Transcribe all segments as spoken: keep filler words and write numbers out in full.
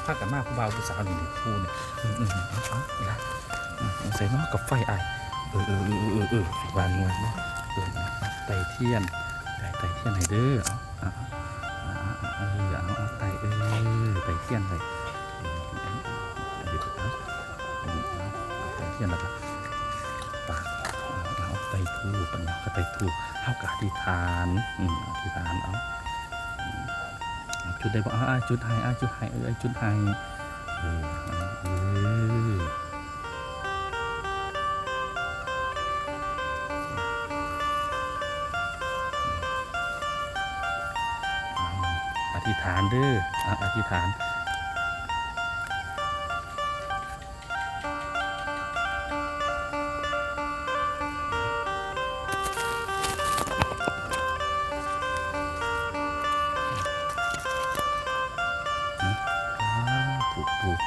พากันมากผู้บ่าวผู้สาวนี่ผู้เนี่ยอืมอืมเอาเอานี่ละใส่เนาะกับไฟไอเออเออเออเออเออวางงวยเนาะเออไตเทียนไตไตเทียนไหนเด้อเอาเอาเออเอาเอาไตเออไตเทียนไตไตเทียนแล้วก็ปากเอาไตทูปัญญาก็ไตทูเท่ากับอธิษฐานอืมอธิษฐานเอาจุดได้บอกอ่าจุดไฮอ่าจุดไฮเออจุดไฮเออเอออธิษฐานเด้ออธิษฐานถูกถูก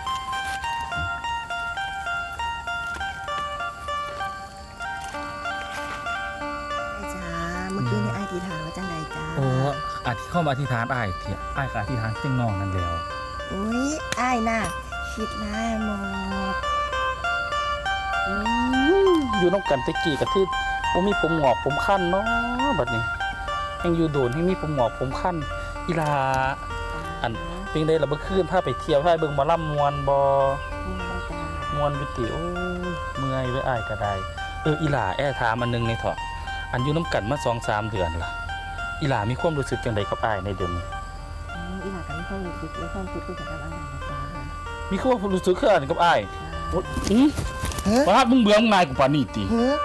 จ้าเมื่อกี้นี่ไอ้อธิษฐานว่าจังไดจ้าโอ้อธิเข้ามาอธิษฐานอ้ายเถียอ้ายกับอธิษฐานเจ้งนองนั่นแล้วอุ้ยไอ้น่ะคิดได้หมดอยู่น้องกันตะกี้กับที่ผมมีผมหงอกผมขั้นเนาะแบบนี้ยังอยู่โดนให้มีผมหงอกผมขั้นอีลาอันเพียงได้ละเมื่อคืนพาไปเที่ยวพาเบิ่งมาล่ำมวนบอมวนวิติโอ้เมื่อยไว้อ้ายก็ได้เอออีหลาแอถามอันนึงในเถาะอันอยู่น้ำกันมาสองสามเดือนล่ะอีหลามีความรู้สึกจังใดกับอ้ายในเดือนนี้อีหลากันไม่ค่อยรู้สึกไม่ค่อยคิดกับอะไรนะจ้ามีความรู้สึกคืออันกับอ้ายอืมว่ามึงเบื่อมึงนายกูปานี่ตี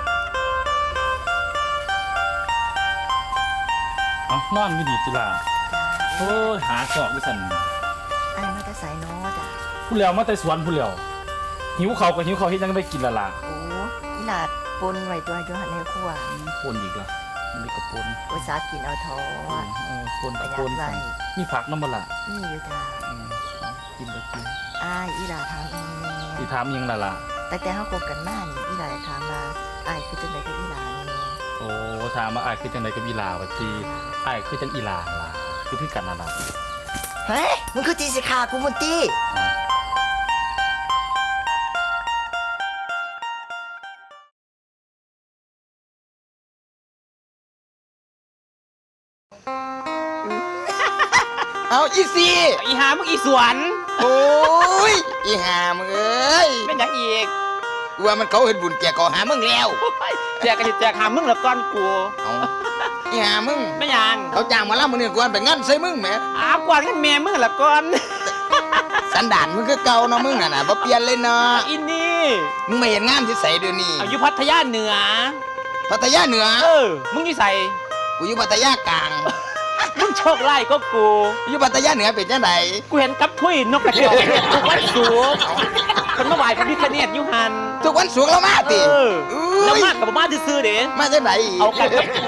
เอานอนไม่ดีจิล่ะโอ้ยหาสอบกูสั่นไอ้มาแต่สายน้อจ้ะผู้เลี้ยวมาแต่สวนผู้เลี้ยวหิวเขากับหิวเขาที่ยังได้กินละล่ะโอ้อีหลาปนไว้ตัวโยหันในครัวปนอีกละนี่ก็ปนอุตสาห์กินเอาทอดปนกับปนมีผักน้ำมันละนี่อยู่จ้ากินไปกินไอ้อีหลาถามเองอีถามยังละล่ะแต่แต่เขาคบกันมากนี่อีหลาถามมาไอ้คือจังไดกับอีหลาเนี่ยโอ้ถามมาไอ้คือจังไดกับอีหลาว่าทีไอ้คือจังอีหลาล่ะคือพี่กันน่ะล่ะเฮ้ยมึงคือตีสิขากูมุนตีเอาอีซีอีหามึงอีสวนโอ้ยอีหามึงเอ้ยเป็นยังอีกว่ามันเขาเห็นบุญแกก่อหามึงแล้วแจกกันแจกหามึงแล้วก้อนกูเอาอีหามึงไม่ยังเขาจ้างมาล่ามึงเนี่ยกวนไปงั้นใส่มึงแหมอ้าวกวนกันแม่มึงแล้วก้อนสันดานมึงก็เก่าเนาะมึงน่ะนะบ่เปลี่ยนเลยเนาะอินนี่มึงไม่เห็นงานที่ใส่เดี๋ยวนี้อยู่พัทยาเหนือพัทยาเหนือเออมึงอยู่ใส่กูอยู่พัทยากลางมึงโชคไล่ก็กูอยู่พัทยาเหนือเป็นจังไดกูเห็นกับทุยนกกระจอกทุกวันศุกร์คนมาไหว้พระพิฆเนศยุหันทุกวันศุกร์เรามาติแล้วมากับมาซื่อๆเด้มาจังไดเอากันกับกู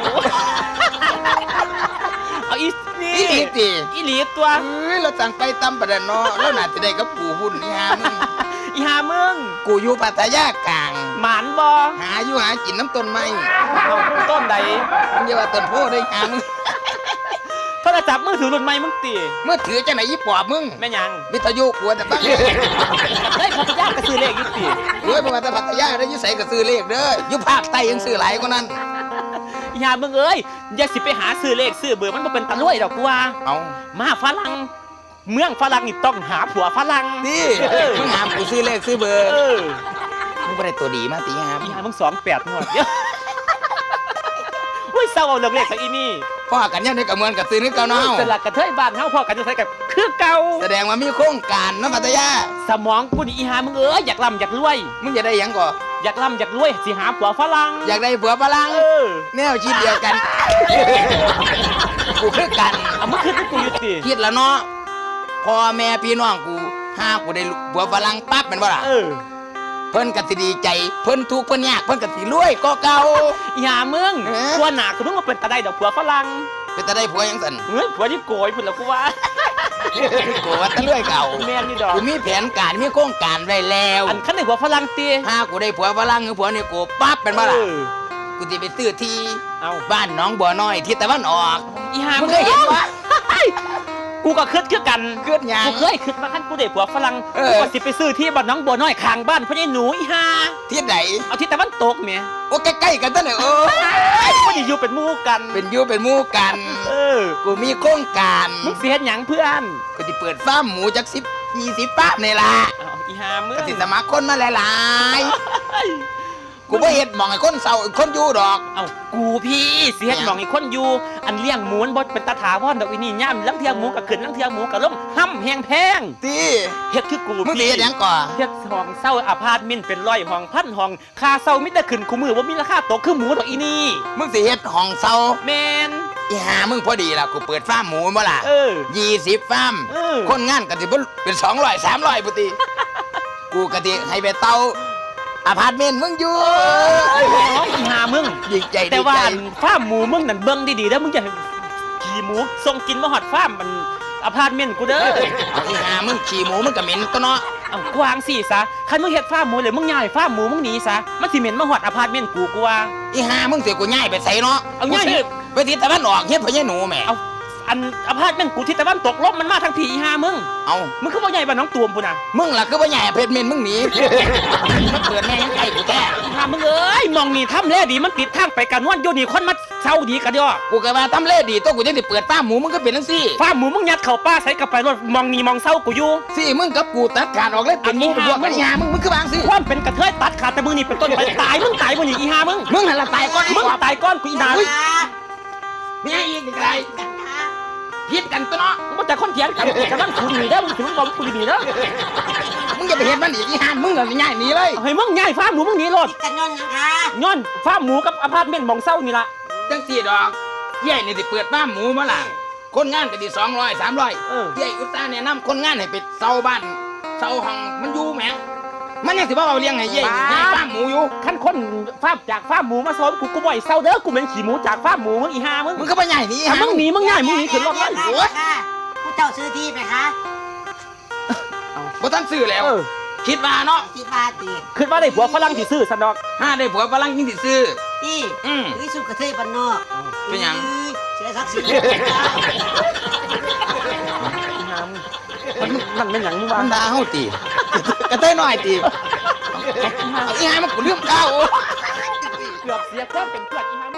เอาอีนี่อีหลีติอีหลีตัวเอ้ยเราสั่งไปตำประเด็นเนาะแล้วน่าจะได้กับกูหุ่นอีหามึงอีหามึงกูอยู่พัทยากลางหมานบ่หาอยู่หากินน้ำต้นไม้เอาต้นใดมึงอย่าว่าต้นโพได้หามึงโทรศัพท์มือถือรุ่นใหม่มึงตีเมื่อถือจังไหนยี่ปอบมึงแม่ยังวิทยุกลัวแต่บ้างได้พัทยากระซื้อเลขยุติเฮ้ยประมาณแต่พัทยาได้ยุใส่กระซื้อเลขเด้อยุภาคใต้ยังซื้อหลายกว่านั้นอย่ามึงเอ้ยอย่าสิไปหาซื้อเลขซื้อเบอร์มันบ่เป็นตะลุ่ยดอกกูว่าเอามาฝรั่งเมืองฝรั่งนี่ต้องหาผัวฝรั่งนี่มึงหามกูซื้อเลขซื้อเบอร์มึงไม่ได้ตัวดีมาตีหามอีหามึงสองแปดหมดเยอะอุ้ยเศร้าเอาเรื่องเลขสักอีนี่พ่อกันยังได้กับเมืองกับซื้อนึกเก่าเนาะสลักกระเทยบ้านเฮาพ่อกันจะใส่กับคือเก่าแสดงว่ามีโครงการเนาะพัทยาสมองกูนี่อีหามึงเอ้ยอยากร่ำอยากรวยมึงจะได้ยังก่ออยากร่ำอยากรวยสิหาผัวฝรั่งอยากได้ผัวฝรั่งแนวคิดเดียวกันกูคือกันเอามึงคือกูอยู่ติคิดแล้วเนาะพ่อแม่พี่น้องกูหากูได้ผัวฝรั่งปั๊บเป็นบ่ล่ะเออเพิ่นก็สิดีใจเพิ่นทุกข์เพิ่นยากเพิ่นก็สิรวยก็เก่าอย่ามึงผัวหนาคือมึงมาเป็นตาได้ดอกผัวฝรั่งเป็นตาได้ผัวยังสั่นเฮ้ยผัวที่โกยพุ่นแล้วกูว่าโกยว่าตะเลื่อยเก่าแม่นนี่ดอกกูมีแผนการมีโครงการไว้แล้วอันคันได้ผัวฝรั่งติถ้ากูได้ผัวฝรั่งหรือผัวนี่กูปั๊บเป็นบ่ล่ะกูสิไปซื้อที่บ้านหนองบัวน้อยที่ตะวันออกอีห่ามึงเคยเห็นบ่กูก็คิดคือกันเกิดหยังกูเคยคิดว่าคันกูได้ผัวฝรั่งเออกูก็สิไปซื้อที่บ้านน้องบัวน้อยข้างบ้านพ่อใหญ่หนูอีห่าที่ไหนเอาที่ตะวันตกแหม่โอ้ใกล้ๆกันตั้งเลยเออกูสิอยู่เป็นหมู่กันเป็นอยูเป็นหมู่กันเออกูมีโครงการมึงสิเฮ็ดหยังเพื่อนกูจะเปิดฟาร์มหมูจักสิบยี่สิบฟาร์มนี่ล่ะเอาอีห่ามึงก็สิสมัครคนมาหลายๆ กูบ่เฮ็ดหมองให้คนเศร้าคนอยู่ดอกเอากูพี่สิเฮ็ดหมองอีกคนอยู่อันเลี้ยงหมูนบ่เป็นตาถาวรดอกอีนี่ย่ำลังเทียหมูก็ขึ้นลังเทียหมูก็ลงห้ำแฮงแพงตีเฮ็ดคือกูมึงสิพี่เฮ็ดหยังก่อเฮ็ดห้องเช่าอพาร์ตเมนต์เป็นร้อยห้องพันห้องค่าเช่ามิแต่ขึ้นคู่มือบ่มีราคาตกคือหมูดอกอีนี่มึงสิเฮ็ดห้องเศร้าแม่นอีหามึงพอดีล่ะกูเปิดฟาร์มหมูบ่ล่ะเออยี่สิบฟาร์มเออคนงานก็สิบ่เป็นสองร้อยสามร้อยพุติ กูก็สิให้ไปเตาอพาร์ตเมนต์มึงอยู่น้องอีหามึงดีใจดีแต่ว่าใจฟาร์มหมูมึงนั่นเบิ่งดีๆเด้อมึงอย่าขี่หมูส่งกินมาฮอดฟาร์มมันอพาร์ตเมนต์กูเด้อเอาอีหามึงขี่หมูมึงก็เหม็นตัวเนาะเอากวางสิซะคันมึงเฮ็ดฟาร์มหมูเลยมึงย้ายฟาร์มหมูมึงหนีซะมันสิเหม็นมาฮอดอพาร์ตเมนต์กูกูว่าอีหามึงสิกูย้ายไปใส่เนาะเอาย้ายกูสิไปทิศตะวันออกเฮ็ดพ่อใหญ่หนูแหม่เอาอันอพาร์ตเมนต์กูที่ตะวันตกลมมันมาทางผีอีหามึงเอามึงคือบ่ใหญ่บ้านน้องตูมพุ่นน่ะมึงล่ะคือบ่ย้ายเพชรเมนมึงหนีมาเปิดแม่ยังไงกูแท้อีหามึงเอ้ยมองนี่ทำแลดีมันปิดทางไปกันนวลอยู่นี่คนมาเช่าดีกันเด้อกูก็ว่าทำเลดีตัวกูจังสิเปิดฟาร์มหมูมึงก็เป็นจังซี่ฟาร์มหมูมึงยัดเข้าป่าใส่กับไปรถมองนี่มองเศร้ากูอยู่สิมึงกับกูตัดขาดออกเลยเป็นหมูเป็นพวกกันอีหามึงมึงคือวางสิความเป็นกระเทยตัดขาดแต่มึงนี่เป็นต้นไปตายมึงตายมึงนี่อีหามึงมึงหันละตายก่อนอีมึงกว่าตายก้อนกูอีนาอุ๊ย มีอะไรอีกอะไรพิษกันตัวเนาะมึงแต่คนเถียงกันกำลังคุณหนีเด้อมึงถึงบอกกูหนีเด้อมึงอย่าไปเห็นมันอีกอีหานมึงเลยง่ายหนีเลยเฮ้ยมึงย้ายฟาร์มหมูมึงหนีรถกันย้อนยังคะย้อนฟาร์มหมูกับอพาร์ตเมนต์มองเศร้านี่ล่ะจังสี่ดอกเย่นี่สิเปิดฟาร์มหมูมาล่ะคนงานก็ดีสองร้อยสามร้อยเออเย่อุตส่าห์แนะนำคนงานให้ไปเซาบ้านเซาห้องมันอยู่แหมมันยังสิบ่เอาเลี้ยงให้เย่เย่ฟาร์มหมูอยู่ขั้นคนฟาร์มจากฟาร์มหมูมาซ้อนกูกูบ่อยเศร้าเด้อกูเป็นขี่หมูจากฟาร์มหมูมึงอีหามึงมึงก็ไปใหญ่หนีอ่ะมึงหนีมึงย้ายมึงหนีขึ้นรถเลยโอ้ยผู้เจ้าซื้อที่ไหมคะบ่ทันซื้อแล้วเออคิดว่าเนาะที่บ้านตีคิดว่าได้ผัวฝรั่งที่ซื้อสันดอกห้าได้ผัวฝรั่งยิ่งสิซื้อที่อืมวิสุกระเทยบ้านนอกเป็นหยังเสียศักดิ์ศรีอีหามึงมันมันเป็นหยังมึงวะมันด่าเฮาตีกระเต้ยน้อยตีเอาอีหามันกูลืมข้าวเกือบเสียความเป็นเพื่อนอีหา